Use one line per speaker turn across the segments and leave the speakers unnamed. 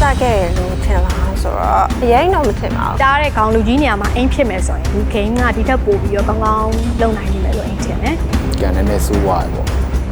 ခဲ့လို့ထင်လားဆိုတော့အရင်တော့မထင်ပါဘူး
တားတဲ့ခေါင်းလူကြီးနေရာမှာအိမ်ဖြစ်မယ်ဆိုရင်ဒီ game ကဒီထက်ပိုပြီးတော့ကောင်းကောင်းလုပ်နိုင်လိမ့်မယ်လို့အိမ်ထင်တယ်
။ကန်နဲ့စိုးဝါပေါ့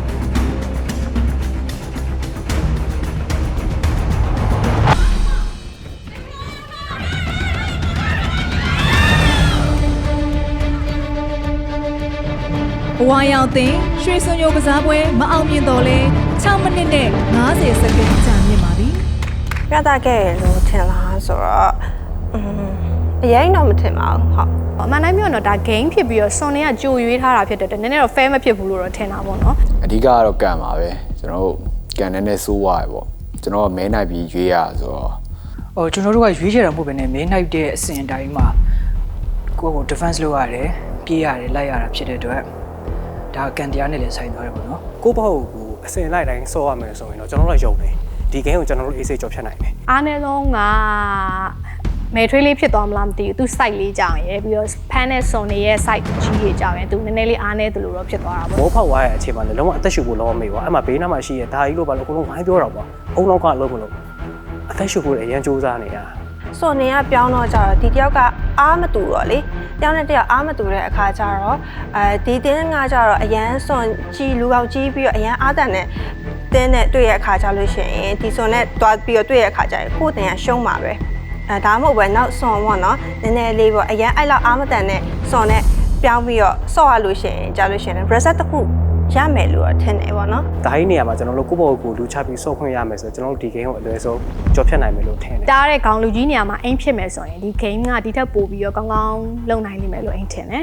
ဘဝရောင်တင်ရွှေစွန်ရိုးကစားပွဲမအောင်မြင်တော့လဲ6မိနစ်နဲ့50စက္ကန့်ကြာမြင့်ပါသည်
ပြသခဲ့လို့ထင်လားဆိုတော့အရင်တော့မထင်ပါဘူးဟုတ်
အမှန်တိုင်းပြောတော့ဒါ game ဖြစ်ပြီးတော့စွန်နေကကြိုရွေးထားတာဖြစ်တဲ့နည်းနည်းတော့ fair မဖြစ်ဘူးလို့တော့ထင်တာပေါ့နော်
အဓိကကတော့ကန်ပါပဲကျွန်တော်တို့ကန်နဲ့စိုးဝါပေါ့ကျွန်တော်ကမဲနိုင်ပြီးရွေးရဆိုတော့
ကျွန်တော်တို့ကရွေးချယ်တာမဟုတ်ဘဲနဲ့မဲနိုင်တဲ့အစဉ်အတိုင်းမှာကိုယ့်ကို defense လုပ်ရတယ်ပြေးရတယ်လိုက်ရတာဖြစ်တဲ့အတွက်ဒါကန်တရားနဲ့လည်းဆိုင်သွားတယ်ပေါ့နော်
ကိုပေါ့ကိုအစင်လိုက်တိုင်းစောရမယ်ဆိုရင်တော့ကျွန်တော်တို့ရုံတယ်ဒီ game ကိုကျွန်တော်တို့အေးစိတ်ကြော်ဖြတ်နိုင်တယ်
အားနည်းဆုံးကမဲထွေးလေးဖြစ်သွားမလားမသိဘူးသူ site လေးကြောင်ရယ်ပြီးတော့ fan နဲ့ son တွေရဲ့ site ကြီးတွေကြောင်ရယ်သူနည်းနည်းလေးအားနည်းတယ်လို့တော့ဖြစ်သွားတာပေါ့
ဘောဖောက်သွားရဲ့အခြေမှာလည်းလုံးဝအသက်ရှူဖို့လုံးဝမေ့ပါအဲ့မှာဘေးနားမှာရှိရဲ့ဒါကြီးလို့ပါလို့အကုန်လုံးဝိုင်းပြောတာပေါ့အုံနောက်ကလုံးမလို့အသက်ရှူဖို့လည်းအရင်စူးစမ်းနေတာ
ဆိုနေကပြောင်းတော့ကြတော့ဒီတယောက်ကအားမတူတော့လေတယောက်နဲ့တယောက်အားမတူတဲ့အခါကျတော့ဒီတင်းကကြတော့အရန်စွန်ကြီးလူကောက်ကြီးပြီးတော့အရန်အားတန်နဲ့တင်းနဲ့တွေ့ရတဲ့အခါကျလို့ရှိရင်ဒီစွန်နဲ့တွားပြီးတော့တွေ့ရတဲ့အခါကျရင်ကိုယ်တင်ကရှုံးပါပဲဒါမှမဟုတ်ပဲနောက်စွန်ပေါ့နော်နည်းနည်းလေးပေါ့အရန်အဲ့လောက်အားမတန်နဲ့စွန်နဲ့ပြောင်းပြီးတော့ဆော့ရလို့ရှိရင်ကြားလို့ရှိရင် reset တစ်ခုရမယ်လို့ထင်တယ်ပေါ့နော်
ဒါကြီးနေရာမှာကျွန်တော်တို့ကိုယ့်ဘောကိုလူချပြီးစော့ခွင့်ရမယ်ဆိုကျွန်တော်တို့ဒီ game ကိုအလွယ်ဆုံးကြော်ဖြတ်နိုင်မယ်လို့ထင်တယ်
တားတဲ့ခေါင်းလူကြီးနေရာမှာအိမ်ဖြစ်မယ်ဆိုရင်ဒီ game ကဒီထက်ပိုပြီးတော့ကောင်းကောင်းလုပ်နိုင်လိမ့်မယ်လို့အိမ်ထင်တယ်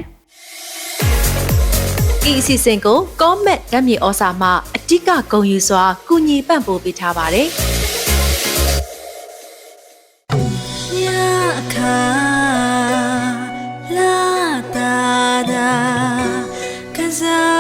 ဤအစီအစဉ်ကို comment ဓာတ်မြေဩစာမှအတိကဂုဏ်ယူစွာကူညီပံ့ပိုးပေးထားပါတယ်
La da da, 'cause I